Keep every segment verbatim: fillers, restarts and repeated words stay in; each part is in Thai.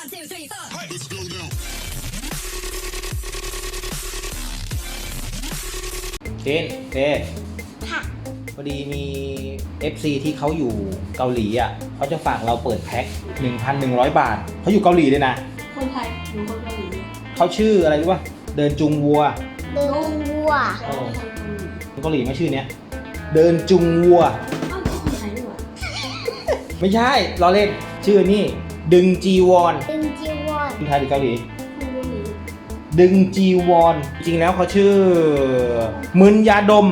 เจนเจพอดีมี เอฟ ซี ที่เขาอยู่เกาหลีอ่ะเขาจะฝากเราเปิดแพ็ค หนึ่งพันหนึ่งร้อย บาทเขาอยู่เกาหลีเลยนะคนไทยหรือคนเกาหลีเขาชื่ออะไรรู้ป่ะเดินจุงวัวเดินวัวเกาหลีไม่ชื่อเนี้ยเดินจุงวัวไม่ใช่ล้อเล่นชื่อนี่ดึงจีวอนดึงจีวอนคนไทยหรือเกาหลีดึงจีวอนจริงแล้วเขาชื่อมึนยาดม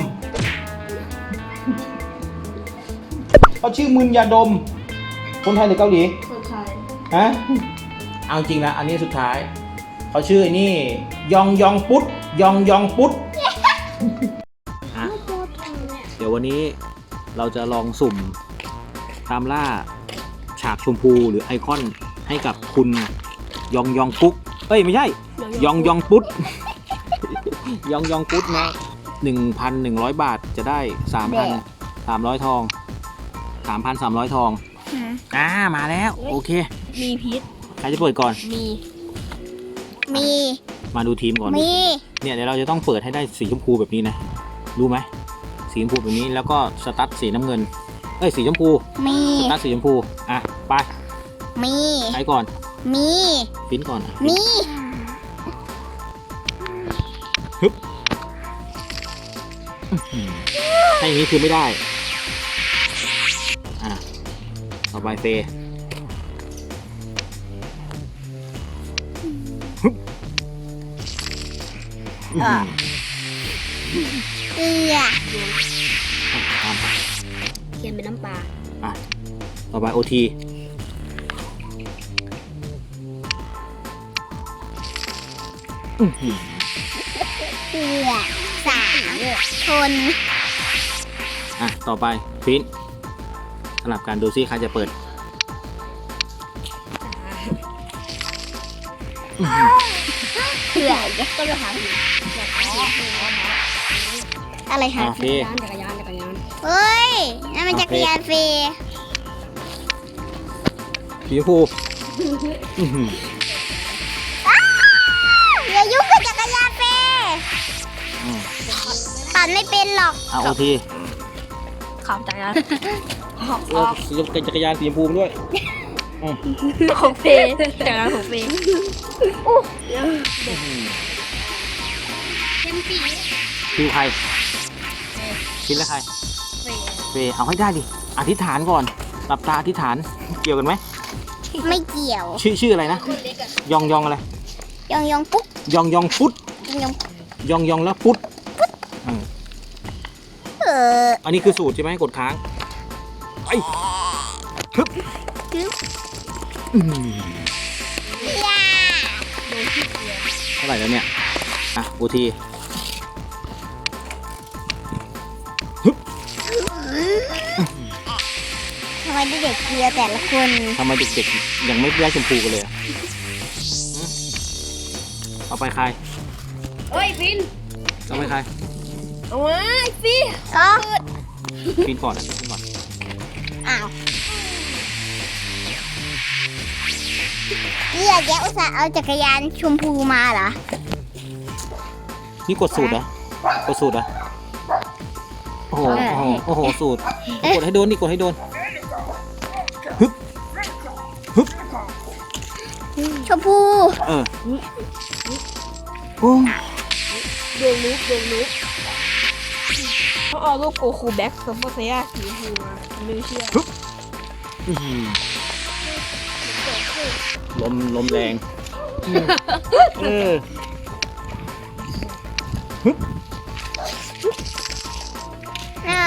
เขาชื่อมึนยาดมคนไทยหรือเกาหลีคนไทยฮะเอาจริงนะอันนี้สุดท้ายเขาชื่อนี่ยองยองปุ๊ดยองยองปุ๊ดอ่ะเดี๋ยววันนี้เราจะลองสุ่มตามล่าฉากชมพูหรือไอคอนให้กับคุณยองยองปุ๊กเอ้ยไม่ใช่ยองยองปุ๊ดยองยองปุ๊ดนะ หนึ่งพันหนึ่งร้อย บาทจะได้ สามพันสามร้อย ทอง สามพันสามร้อย ทองอ่ามาแล้วโอเคมีพิษใครจะเปิดก่อนมีมีมาดูทีมก่อนมีเนี่ยเดี๋ยวเราจะต้องเปิดให้ได้สีชมพูแบบนี้นะรู้ไหมสีชมพูแบบนี้แล้วก็สตั๊ดสีน้ำเงินเอ้ยสีชมพูมีสตั๊ดสีชมพูอ่ะไปมีใครก่อนมีปิ้นก่อนมีฮึบถ้าอย่างนี้คือไม่ได้อ่ะต่อไปเฟย์ฮึบเกลือเค็มเป็นน้ำปลาอ่ะต่อไปโอทีเกลือสามคนอ่ะต่อไปฟินสลับกันดูซิใครจะเปิดเกลือก็จะหาอะไรหาจักรยานจักรยานจักรยานเฮ้ยนั่นมันจักรยานฟรีสีชมพูอย่ายุ่งกับจักรยานฟรีปั่นไม่เป็นหรอกเอาโอทีขับจักรยานออกออกจักรยานสีชมพูด้วยของเฟย์จักรยานของเฟย์เข้มปีคิวใครคิดแล้วใครเฟย์เอาให้ได้ดิอธิษฐานก่อนหลับตาอธิษฐานเกี่ยวกันไหมไม่เกี่ยวชื่อชื่ออะไรนะยองยองอะไรยองยองปุ๊กยองยองปุ๊ดยองยองยองแล้วปุ๊ดเอออันนี้คือสูตรใช่ไหมกดค้างไอ้ฮึบฮึบเท่าไหร่แล้วเนี่ยอ่ะโอทีฮึบทำไมเด็กเกลือแต่ละคนทำไมเด็กๆยังไม่ได้ชมพูกันเลยเอาไปใครเฮ้ยฟินเอาไปใครเอาไว้ฟินก็ฟินก่อนนะฟินก่อนอ้าวนี่แกอุตส่าห์เอาจักรยานชมพูมาเหรอนี่กดสูตรเหรอกดสูตรเหรอโอ้โหโอ้โหสูตรกดให้โดนนี่กดให้โดนฮึบฮึบชมพูเออโอ้ดวงลุกดวงลุกเขาเอารูปโกคูแบ็กซัมเปอร์เซียสีชมพูมาไม่เชื่อลมลมแรงเออฮึบน่า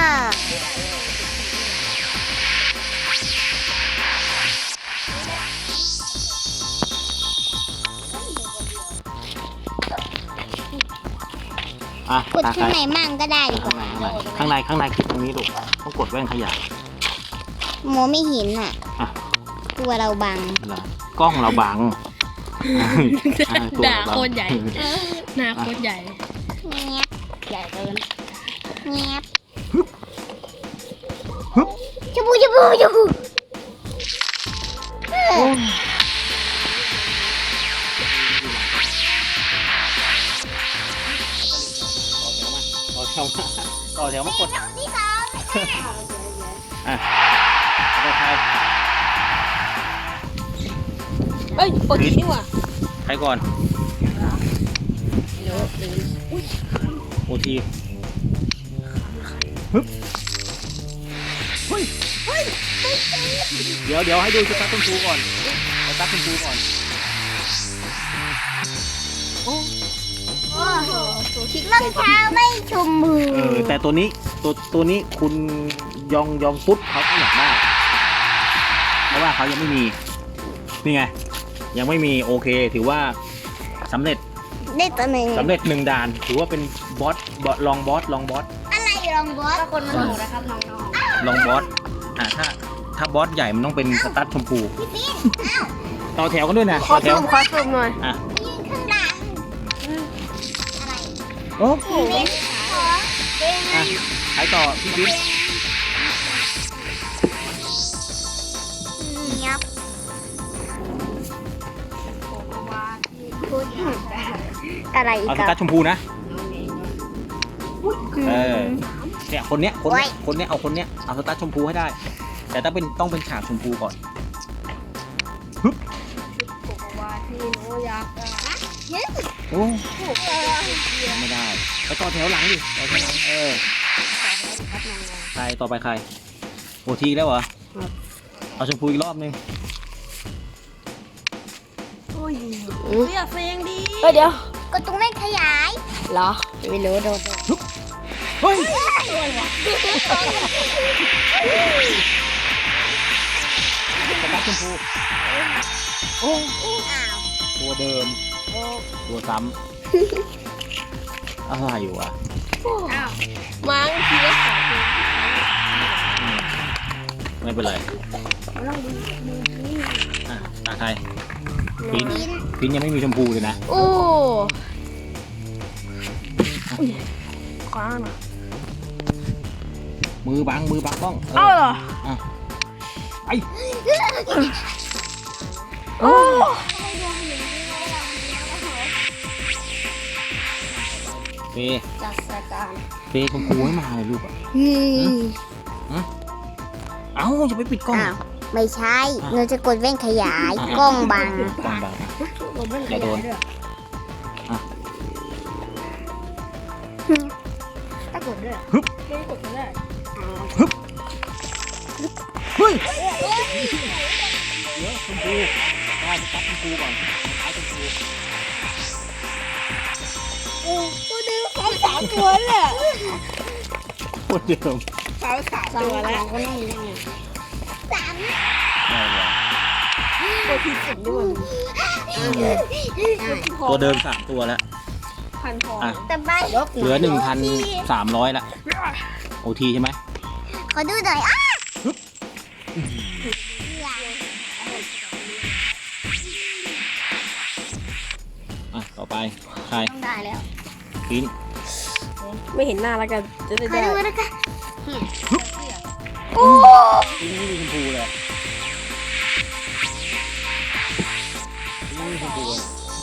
อ่ะกดข้างในมั่งก็ได้ดีกว่าข้างในข้างในคลิปตรงนี้ลูกต้องกดแว่นขยายโมไม่เห็นอ่ะตัวเราบังกล้องเราบังหน้าโคตรใหญ่หน้าโคตรใหญ่เงียบใหญ่เกินเงียบชมพูชมพูชมพูวมาต่อแถวมากดที่สองอ่ะต่อใครเอ้ยปกตินี่หว่าใครก่อนโอทีฮึบเฮ้ยเดี๋ยวเดี๋ยวให้ดูสตาร์ทคุณครูก่อนสตาร์ทคุณครูก่อนโอ้รองเท้าไม่ชมมือเออแต่ตัวนี้ตัวตัวนี้คุณยองยองปุ๊บเขาก็อยากได้เพราะว่าเขายังไม่มีนี่ไงยังไม่มีโอเคถือว่าสำเร็จได้ตัวหนึ่งสำเร็จหนึ่งด่านถือว่าเป็นบอสบอสลองบอสลองบอสอะไรลองบอสคนมันถูกนะครับน้องลองบอสอ่าถ้าถ้าบอสใหญ่มันต้องเป็นสตั๊ดชมพูๆพี่ปิ๊นอ้าวต่อแถวกันด้วยนะขอต่อแถซูวมขอซูมหน่อยอ่ะยืนข้างหลังอะไรโอ้พี่ปิ๊นขอเป็นอ่ะใครต่อพี่บิ๊กเงียบพูดอะไรอีกเอาสคตั๊รัดบชมพูนะเออเนี่ยคนเนี้ยคนเนี้ยคนเนี้ยเอาคนเนี้ยเอาสตั๊ดชมพูให้ได้ แต่ต้องเป็นต้องเป็นฉากชมพูก่อน โอ้ยังไม่ได้ไปต่อแถวหลังดิต่อแถวหลังเออใครต่อไปใครโอทีแล้วเหรอเอาชมพูอีกรอบนึงอยากเสียงดีเฮ้ยเดี๋ยวก็ตรงเล่นขยายเหรอไม่รู้โดนเฮ้ยสตาร์ทชมพูโอ้อ้าวตัวเดิมตัวซ้ำอะไรอยู่วะมั้งทีละสองตัวอืมไม่เป็นไรอ่ะตาใครปินปินยังไม่มีชมพูเลยนะโอ้คว้าหน่อยมือบังมือบังบ้องเอ้าเหรออ่ะไอ้โอ้เฟย์จัดสการเฟย์ชมพูให้มาเลยลูกอ่ะ เอ้าจะไปปิดกล้องอ้าวไม่ใช่หนูจะกดเว้นขยายอ่ะกล้องบังกล้องบังอย่าโดนถ้ากดด้วยไม่กดก็ได้เฮ้ยเดี๋ยวชมพูได้ไปตัดชมพูก่อนท้ายชมพูโอ้ตัวเดิมเขาสามตัวเลยคนเดิมเขาสามตัวแล้วก็ไม่ได้ไงสามได้เลยตัวที่สุดด้วยตัวเดิมสามตัวแล้วพันพออ่ะแต่ใบเหลือหนึ่งพันสามร้อยละโอทีใช่ไหมขอดูหน่อยอ้าอ่ะต่อไปใครต้องได้แล้วปิ้นไม่เห็นหน้าแล้วกันจะได้ขอได้ดูนะคะโอ้ปิ้นไม่มีชมพูเลยปิ้นไม่มีชมพูเลย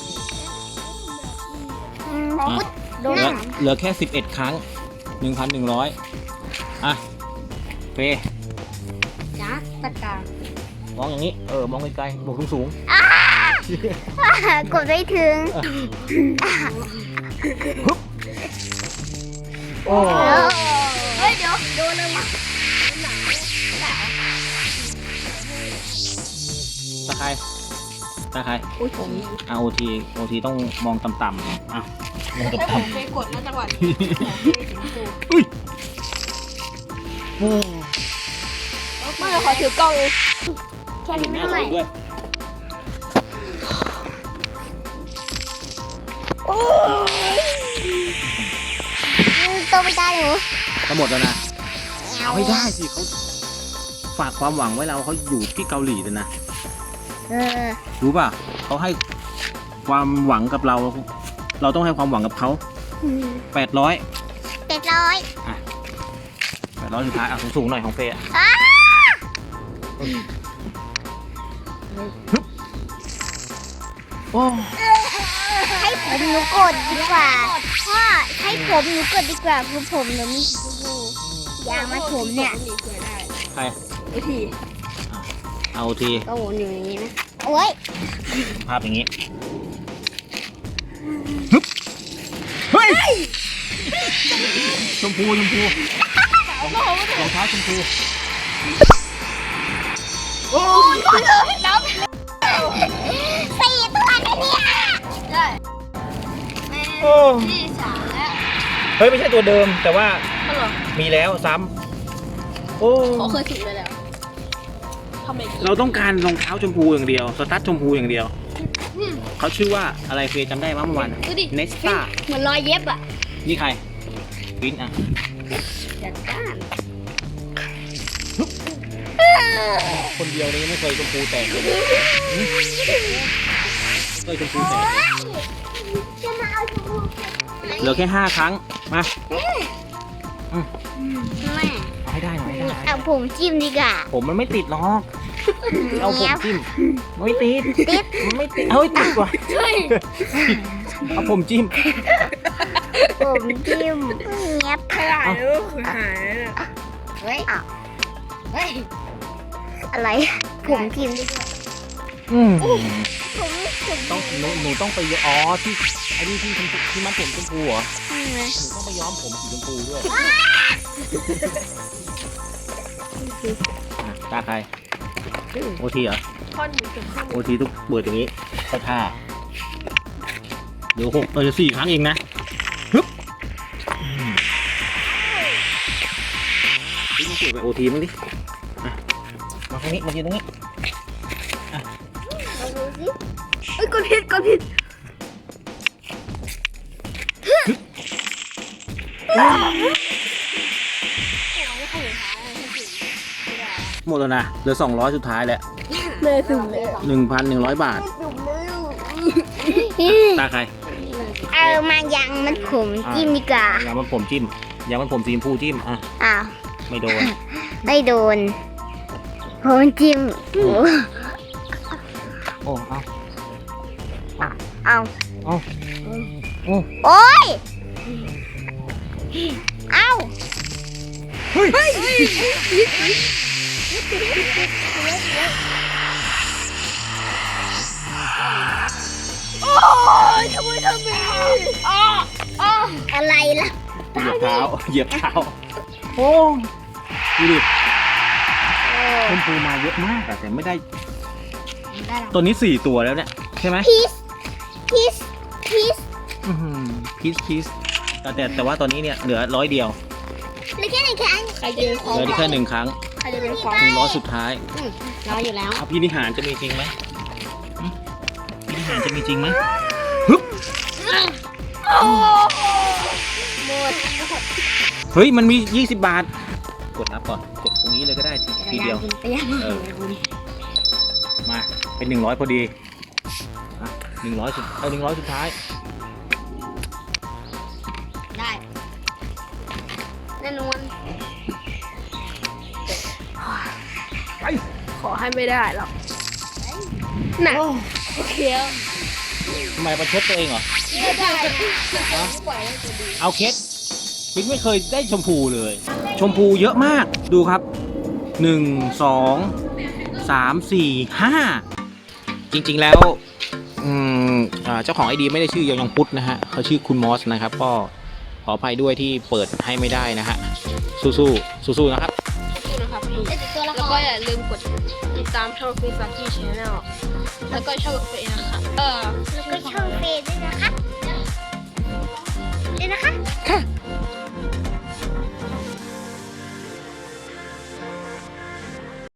ขอพูดเหลือเหลือแค่สิบเอ็ดครั้งหนึ่งพันหนึ่งร้อยอ่ะเฟย์จัดสการมองอย่างนี้เออมองไกลๆมองสูงกดไม่ถึงๆโอ้เฮ้ยเดี๋ยวโดนเลยว่ะตาใครตาใครโอ้ยผมอ่ะโอทีโอทีต้องมองต่ำๆอ่ะมองถ้าผต่ำมไปกดนะจังหวะๆอุ้ยโอ้ไม่ขอถือกล้องแค่เห็นี้นหไม่น้าเท่าไหร่ตัวด้วยโอ้ยโตไม่ได้หนูก็หมดแล้วนะเอาให้ได้สิเขาฝากความหวังไว้เราเขาอยู่ที่เกาหลีเลยนะเออรู้ป่ะเขาให้ความหวังกับเรา เราต้องให้ความหวังกับเขาแปดร้อยเจ็ดร้อยแปดร้อยสุดท้ายอ่ะสูงๆหน่อยของเฟย์อ่ะอ้าโอ้ให้ผมหนูกดดีกว่าพ่อให้ผมหนูกดดีกว่าคือผมหนูมีสีชมพูยางมาผมเนี่ยใครไอทีเอาทีก็หมุนอยู่อย่างนี้นะโอ้ยภาพอย่างนี้ฮึบเฮ้ยชมพูชมพูรองเท้าชมพูโอ้ยสี่ตัวนะเนี่ยได้โอ้ที่สามแล้วเฮ้ยไม่ใช่ตัวเดิมแต่ว่าก็หรอมีแล้วซ้ำโอ้เขาเคยถูกไปแล้วทำไมเราต้องการรองเท้าชมพูอย่างเดียวสตั๊ดชมพูอย่างเดียวเขาชื่อว่าอะไรเฟยจำได้มั้ยเมื่อวานดูดิเนสต้าเหมือนรอยเย็บอ่ะนี่ใครวินอ่ะจัดการคนเดียวนี้ไม่เคยชมพูแตกเลยไม่เคยชมพูแตกเลยจะมาเอาชมพูเหลือแค่ห้าครั้งมาแม่เอาให้ได้หน่อยให้ได้เอาผมจิ้มดีกว่าผมมันไม่ติดหรอกเอาผมจิ้มไม่ติดติดมันไม่ติดเฮ้ยติดว่ะใช่เอาผมจิ้มผมจิ้มเงียบขยายลูกหายเฮ้ยเฮ้ยอะไร ผมจิ้มดีกว่าอืมผมผมต้องหนูหนูต้องไปอ๋อที่ไอ้นี่ที่ชมพูที่มันผมชมพูเหรอจิ้มไหมหนูต้องไปย้อมผมสีชมพูด้วยอ่ะตาใครโอทีเหรอท่อนหนึ่งถึงข้างบโอน ทีทุกเบิดอย่างนี้เข้าท่าเดี๋ยวหกเออสี่ครั้งเองนะฮึบอืมนี่มันเกิดไปโอทีมั้งดิอ่ะมาตรงนี้มายืนตรงนี้เอาดูสิเอ้ยกดผิดกดผิดหมดแล้วนะเหลือสองร้อยสุดท้ายแหละเลยถึงเลยหนึ่งพันหนึ่งร้อยบาทตาใครเอามายังมันผมจิ้มดีกว่ายางมันผมจิ้มยางมันผมสีชมพูจิ้มอ่ะอ้าวไม่โดนไม่โดนผมจิ้มโอ้โอ้เอาเอาเอาโอ้โอ้ยเอาเฮ้ยโอ้ยทำไมทำแบบนี้อ๋ออ๋ออะไรล่ะเหยียบเท้าเหยียบเท้าโอ้ดูดิชมพูมาเยอะมากอะแต่ไม่ได้ตัวนี้สี่ตัวแล้วเนี่ยใช่ไหมพีซพีซพีซพีชพีชแต่แต่แต่ว่าตอนนี้เนี่ยเหลือร้อยเดียวเหลือแค่ไหนแค่อันใครจะเป็นของเหลือได้แค่หนึ่งครั้งใครจะเป็นของหนึ่งร้อยสุดท้ายรออยู่แล้วเอาพี่นิหารจะมีจริงไหมหึพี่นิหารจะมีจริงไหมฮึบหมดเฮ้ยมันมียี่สิบบาท กดนับก่อนกดตรงนี้เลยก็ได้ทีทีเดียวไปยังเออ มาเป็นหนึ่งร้อยพอดีอ่ะหนึ่งร้อยสุดเอาหนึ่งร้อยสุดท้ายได้แน่นอนไปขอให้ไม่ได้หรอกหนักโอเคทำไมประชดตัวเองเหรอไม่ได้เอาเคสปิ๊กไม่เคยได้ชมพูเลย ชมพูเยอะมากดูครับหนึ่งสองสามสี่ห้าจริงๆแล้วอืมอ่าเจ้าของไอดีไม่ได้ชื่อยองยองพุทธนะฮะเขาชื่อคุณมอสนะครับก็ขออภัยด้วยที่เปิดให้ไม่ได้นะฮะสู้ๆสู้ๆนะครับนะครับตัวละคแล้วก็รอย่าลืมกดติดตามช่องฟิซากี้ชาแนลแล้วก็ช่องเฟซนะคะเออแล้วก็ช่องเฟซด้วยนะคะเอ